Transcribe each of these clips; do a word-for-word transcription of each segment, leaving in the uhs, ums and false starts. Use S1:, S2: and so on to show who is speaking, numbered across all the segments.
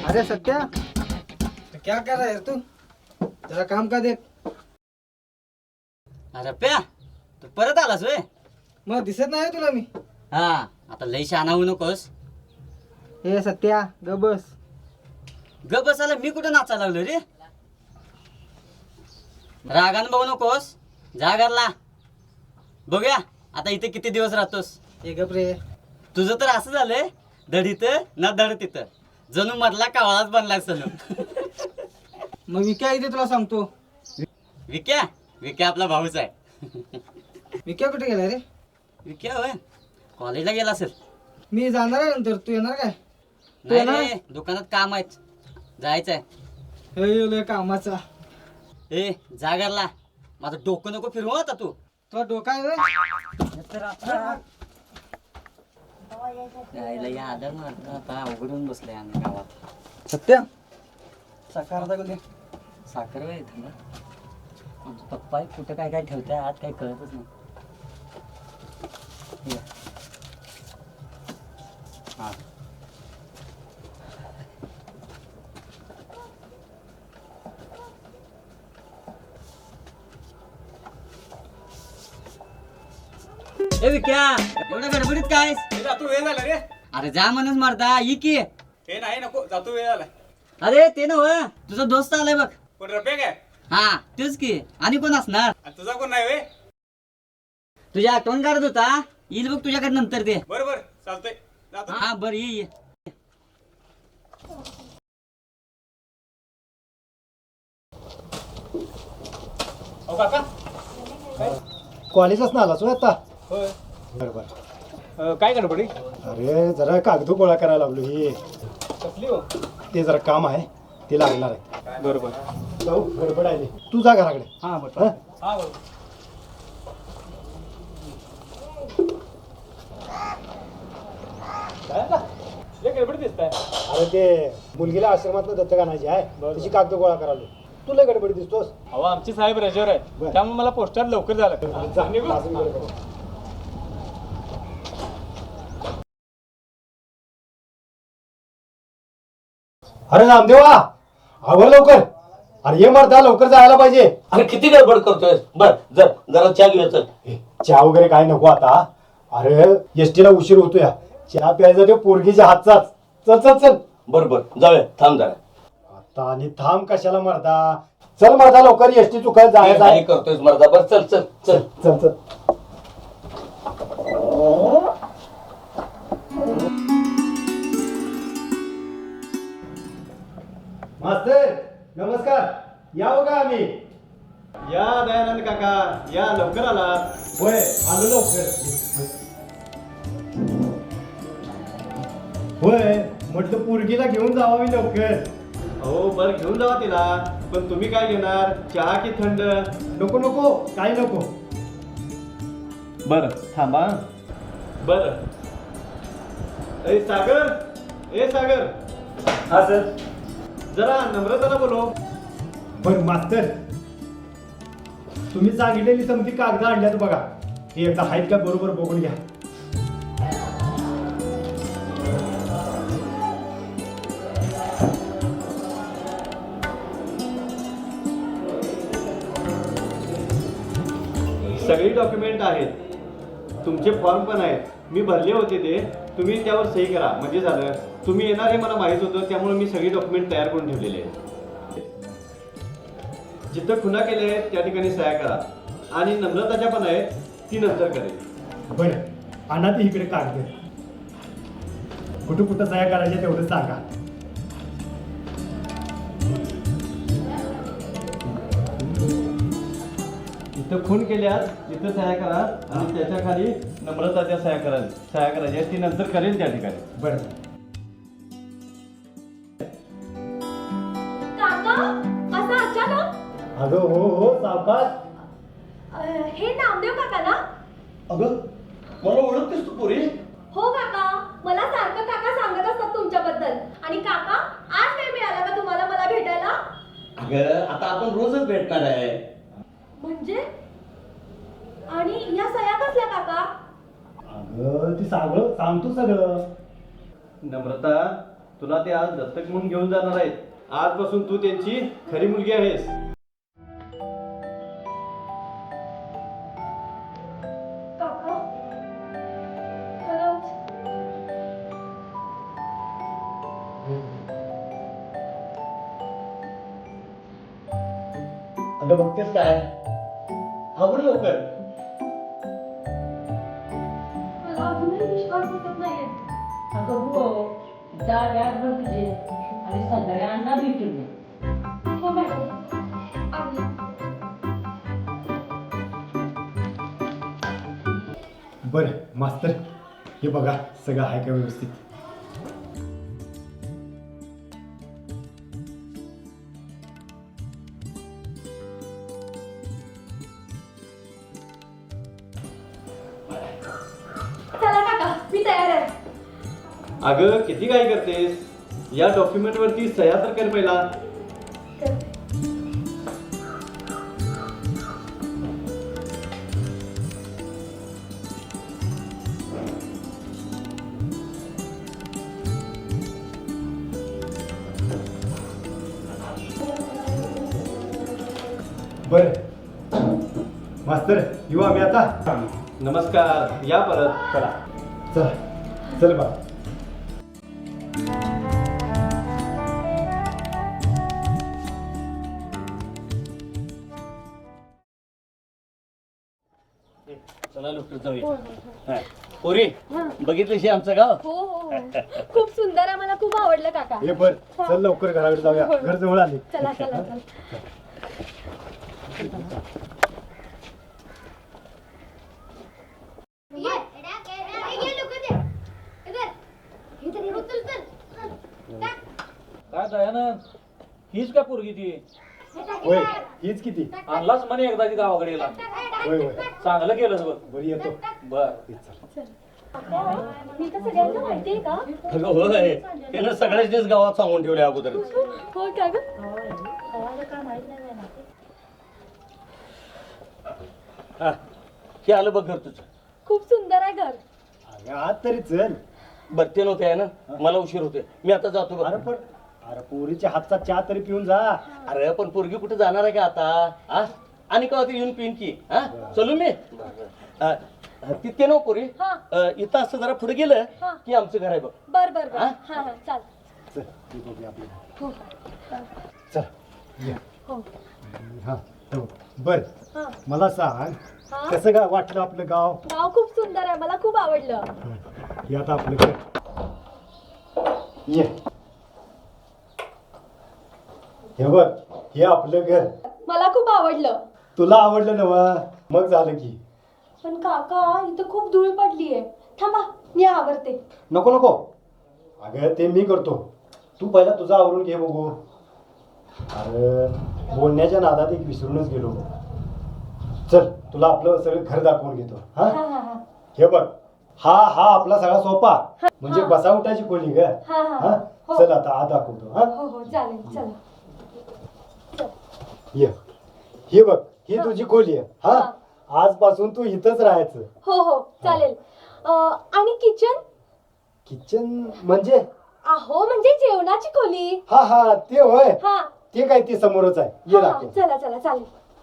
S1: अरे सत्या, तो क्या कर रहा है तू? जरा काम का देख.
S2: अरे प्या तू परत आलास वे.
S1: मग दिसत नाही तुला मी.
S2: हा आता लई शहाणा होऊ नकोस.
S1: हे सत्या ग बस.
S2: ग बसायला मी कुठं नाचायला लागलो रे. रागान बघू नकोस. जा घरला. बघूया आता इथे किती दिवस राहतोस.
S1: हे गप रे.
S2: तुझं तर असं झालंय, धड इथं ना धड तिथं, जणू मधला कावळाच बनलाय सनू.
S1: मग विक्या इथे तुला सांगतो.
S2: विक्या विक्या आपला भाऊच आहे.
S1: विक्या कुठे गेला रे?
S2: विक्या होय कॉलेजला गेला असेल.
S1: मी जाणार आहे नंतर. तू येणार काय? तू
S2: नाही
S1: येणार?
S2: रे, दुकानात काम आहेत, जायचंय.
S1: हे लय कामाचा.
S2: ए जा घरला. माझं डोकं नको फिरवू आता तू.
S1: तुला डोका आहे व्हय?
S2: यायला या आदर मारत आता अवघडून बसलंय आम्ही गावात.
S1: सत्या साखर आता दे.
S2: साखर वय थांबा. आमचा पप्पा कुठं काय काय ठेवताय आज काही कळतच नाही. हे. हा ए विक्या एवढ्या गडबडीत काय?
S3: जातो वेळ झाला रे.
S2: अरे जा म्हणून मारता ई की.
S3: हे नाही नको, जातो वेळ झाला.
S2: अरे ते नव तुझा दोस्त आलाय बघ.
S3: कोण रफे काय?
S2: हा तेच की. आणि कोण असणार?
S3: आणि तुझा कोण नाही वे?
S2: तुझ्या आठवण काढत होता. येईल बघ तुझ्याकडे नंतर ते.
S3: बरोबर चालतंय जातो.
S2: हा बर ये ये.
S3: अहो काका.
S4: कॉलेजच ना आलास होय आता.
S3: होय.
S4: बरोबर.
S3: अं, काय गडबडी?
S4: अरे जरा कागद गोळा करायला लागलो. ही
S3: कसली हो?
S4: ते जरा काम आहे, ते लागणार आहे.
S3: बरोबर.
S4: जाऊ गडबड आहे. तू जा घराकडे.
S3: हा बरोबर.
S4: हं?
S3: हा बरोबर. काय आता? लय गडबड दिसताय.
S4: अरे ते मुलगीला आश्रमात दत्तक आणायची आहे, त्याची कागद गोळा करायला. तू लय गडबडी दिसतोस.
S3: अहो आमची साहेब रजेवर आहेत,
S4: बरं.
S3: त्यामुळे मला पोस्टात लवकर झालं.
S4: जा, अजून गडबड. अरे नामदेवा, आवर लवकर. अरे ये मरता, लवकर जायला पाहिजे.
S5: अरे किती गडबड करतोय. बर जर जरा चहा घेऊया चल.
S4: ए, चहा वगैरे काय नको आता. अरे एसटीला उशीर होतोय. चहा प्यायचा ते पोरगीच्या हातचाच. चल चल चल.
S5: बर बर जाऊया, थांब जरा.
S4: आता आणि थांब कशाला मरता. चल मरता लवकर, एसटी चुकायला जायचं
S5: काय
S4: आहे.
S5: करतोयस मर्दा. बर चल चल चल.
S4: चल चल. मास्तर नमस्कार. या हो का आम्ही.
S3: या दयानंद काका या, लवकर आला.
S4: होय आलो लवकर. होय म्हटलं पोरगीला घेऊन जावा मी लवकर.
S3: हो बर घेऊन जावा तिला. पण तुम्ही काय घेणार, चहा की थंड?
S4: नको नको काय नको.
S3: बर थांबा. बर. ए सागर, ए सागर.
S4: हा सर.
S3: जरा नम्रताला बोलव.
S4: बर मास्तर, तुम्ही सांगितलेली समती कागद आणल्यात बघा. ती एकदा आहेत का बरोबर बघून घ्या.
S3: सगळी डॉक्युमेंट आहेत, तुमचे फॉर्म पण आहेत. मी भरले होते ते. तुम्ही त्यावर सही करा म्हणजे झालं. तुम्ही येणार हे मला माहित होतं, त्यामुळे मी सगळी डॉक्युमेंट तयार करून ठेवलेले आहेत. जिथं खुना केले आहेत त्या ठिकाणी सह्या करा. आणि नम्रताच्या पण आहेत, ती नंतर करेल.
S4: बरं आणा ती इकडे कागद. कुठं कुठं सह्या करायच्या तेवढं सांगा.
S3: इथं खून केल्यास तिथं सह्या करा आणि त्याच्या खाली नम्रताच्या सह्या करा. सह्या करायच्या ती नंतर करेल त्या ठिकाणी.
S4: बरं.
S6: काका असं अचानक?
S4: अगं हो हो सावकाश.
S6: अं, हे नामदेव काका ना?
S5: अगं मला ओळखतेस तू पोरी?
S6: हो काका, मला सारखं काका सांगत असतात तुमच्याबद्दल. आणि काका आज वेळ मिळाला का तुम्हाला मला भेटायला?
S5: अगं आता आपण रोजच भेटणार आहे.
S6: म्हणजे? आणि या सह्या कसल्या काका?
S4: अगं ती सगळं सांगतो सगळं.
S3: नम्रता तुला ते आज दत्तक म्हणून घेऊन जाणार आहेत. आजपासून तू त्यांची खरी मुलगी आहेस.
S6: काका खरंच
S5: अगं बघतेस काय आवर लवकर.
S6: मला अजूनही विश्वास बसत नाहीये.
S7: अगं हो डाळ याद बघ तुझे आणि संध्याकाळी अण्णा भेटून ये.
S6: हो मॅडम आले.
S4: बर मास्तर हे बघा सगळं आहे का व्यवस्थित.
S6: चला काका मी तयार आहे.
S3: अगं किती काय करतेस. या डॉक्युमेंट वरती सह्या तर कर पहिला.
S4: बर मास्तर येऊ आम्ही आता.
S3: नमस्कार या परत.
S4: चला चला चल बा.
S5: चला लवकर जाऊया. पोरी बघितलं आमचं गाव.
S6: हो हो हो खूप सुंदर आहे. मला खूप आवडलं काका.
S4: हे बर चल लवकर घराकडे जाऊया घर जवळ आले.
S6: चला चला चला.
S8: काय दयानंद हीच का पोरगी ती
S4: होय हीच किती.
S8: आणलाच म्हणे एकदा ती गावाकडे गेला.
S4: होय होय
S8: चांगलं केलंस बघ.
S4: बरी येतो.
S8: बर
S6: मी तर सगळ्यांना माहितीये का?
S5: अगं होय त्यानं सगळ्याच गावात सांगून ठेवले अगोदर.
S6: हो का ग?
S5: हा, हे आलं बघ घर तुझं.
S6: खूप सुंदर आहे घर.
S4: अगं आत तरी चल.
S5: बरं ते नव्हते आहे ना मला उशीर होते. मी आता जातो बघ.
S4: अरे पण अरे पोरीच्या हातचा चहा तरी पिऊन जा.
S5: अरे पण पोरगी कुठे जाणार आहे का आता. हा आणि का येऊन पिन की. हा चलू मी अ, तितके नव पोरी
S6: हा.
S5: अ, इथं असं जरा पुढे गेलं
S6: हा.
S5: की आमचं घर आहे बघ.
S6: बर बर बर.
S5: हा?
S6: हा हा चाल.
S4: चल हे बघूया आपलं.
S6: हो
S4: चल ये.
S6: हो
S4: हा हो. बर
S6: हा
S4: मला सांग
S6: हा.
S4: कसं काय वाटलं आपलं गाव.
S6: गाव खूप सुंदर आहे. मला खूप आवडलं.
S4: हे आता आपलं घर. ये हे बघ हे आपलं घर.
S6: मला खूप आवडलं.
S4: तुला आवडलं नवा मग झालं की.
S6: पण काका इथं खूप धूळ पडलीये. थांबा मी आवरते.
S4: नको नको अगं ते मी करतो. तू पहिला तुझं आवरून घे बघू. अरे बोलण्याच्या नादात एक विसरूनच गेलो. चल तुला आपलं सगळं घर दाखवून घेतो. हा
S6: हा हा हा
S4: हे बघ हा हा आपला सगळा सोपा म्हणजे
S6: हा.
S4: बसा उठायची खोली ग.
S6: हा हा
S4: हा
S6: हो.
S4: चल आता आत दाखवतो. हा
S6: हो हो चालेल चला. चल.
S4: ये हे बघ ही तुझी खोली आहे. हा
S6: हा.
S4: आजपासून तू इथंच राहायचं.
S6: हो हो चालेल. अं, आणि किचन.
S4: किचन म्हणजे
S6: अहो म्हणजे जेवणाची खोली.
S4: हा हा ते होय.
S6: हा
S4: ते काय ते समोरच आहे. ये
S6: हा, हा.
S4: दाखव.
S6: चला चला चालेल.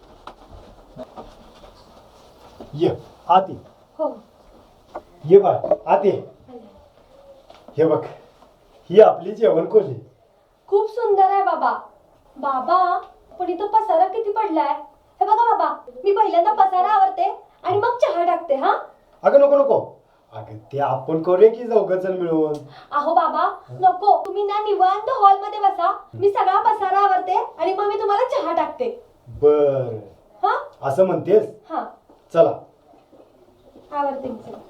S4: ये आत ये.
S6: हो
S4: ये बा आत ये. हे बघ ही आपली जेवण खोली.
S6: खूप सुंदर आहे बाबा. बाबा पण इथं पसारा किती पडलाय. हे बघा बाबा मी पहिल्यांदा पसारा आवरते आणि मग चहा टाकते. हा
S4: अगं नको नको अगं ते आपण करूया की चौघजण मिळून.
S6: अहो बाबा नको. तुम्ही ना निवांत हॉल मध्ये बसा. मी सगळा पसारा आवरते आणि मग मी तुम्हाला चहा टाकते.
S4: बर
S6: हा
S4: असं म्हणतेस.
S6: हा
S4: चला
S6: आवरते मी. चला.